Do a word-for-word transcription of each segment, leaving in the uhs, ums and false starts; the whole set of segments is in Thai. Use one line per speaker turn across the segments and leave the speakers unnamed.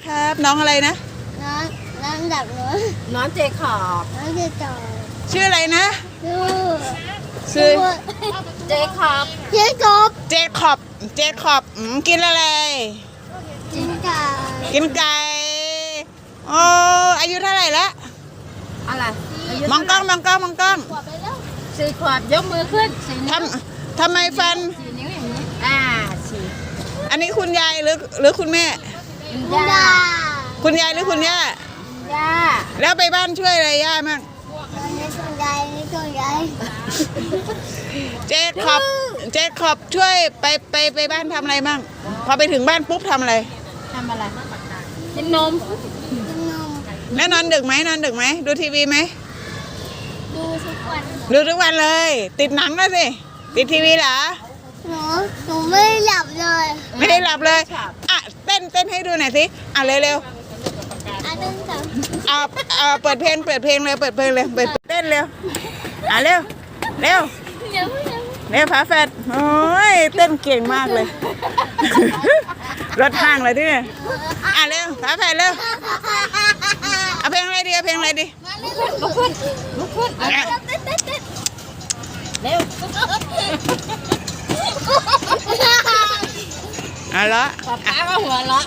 ครับ น้องอะไรนะ
น้องน้องดับหนู
น้องเจคอบ
น้องจะต่อ
ชื่ออะไรนะ
ดู
ชื่อ
เจคอบ
เจ๊กบ
เจคอบเจคอบอืมกินอะไร
จิงกา
กินไก่โอ้อายุเท่าไหร่ละ
อะไรายุ
มองกล้องมองกล้องมองกล้อง
ขวบไปแล้ว
สี่ขวบยกมือขึ้นสี่
ท
นิ้ว
ำทำไมฟัน
สี่นิ้วอย่างนี้อ่าสี่
อันนี้คุณยายหรือหรือคุณแม่
คุณย่า
คุณยายหรือคุณย่า
ย่า
แล้วไปบ้านช่วยอะไรย่ามั่ง
นี่คุณยายนี่คุณยาย
เจคอบเจคอบช่วยไปไปไปบ้านทำอะไรมั่งพอไปถึงบ้านปุ๊บทำอะไร
ทำอะไรกินนม
กินนม
แล้วนอนดึกไหมนอนดึกไหมดูทีวีไหม
ดูทุกวัน
ดูทุกวันเลย ติดหนังแล้วสิติดทีวีเหรอ
หนูหนูไม่หลับเลย
ไม่ได้หลับเลยอ่ะเต้นเต้นให้ดูหน่อยสิอ่ะเร็วเร็ว
อันนึงสอง
ๆเอาเอาเปิดเพลงเปิดเพลงเลยเปิดเพลงเลยเปิดเต้นเร็วอ่ะเร็วเร็ว
เดี๋ยวเดี๋ยว
เร็วฝาแฝดโอ้ยเต้นเก่งมากเลย รถห้างเลยที่นี่อ่ะเร็วฝาแฝดเร็วเอาเพลงอะไรดีเอาเพลงอะไรดี
ลุกขึ้นลุกขึ้น
อ่ะ
เต้นเต้นเต้น
เร็ว
เอาละ
ป๊าป๊าก็หัวเราะ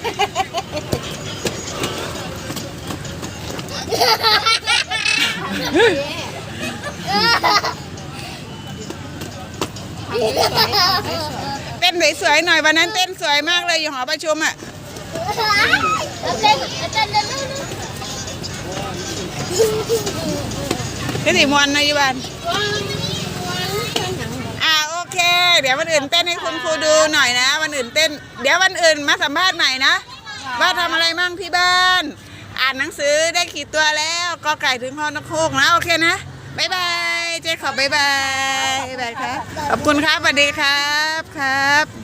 เต้นสวยๆหน่อยวันนั้นเต้นสวยมากเลยอยู่หอประชุมอ่ะ
เต้นเต้นเต้น
พี่สีมวนนะยุบันอ่าโอเค เดี๋ยววันอื่นเต้นให้คุณครูดูหน่อยนะวันอื่นเต้นเดี๋ยววันอื่นมาสัมภาษณ์ใหม่นะว่าทำอะไรมั่งที่บ้าน อ่านหนังสือได้กี่ตัวแล้วก็ไก่ถึงพ่อนกฮูกนะโอเคนะบ๊ายบายเจ๊ขอบบ๊ายบายบ๊ายบายครับขอบคุณครับสวัสดีครับครับ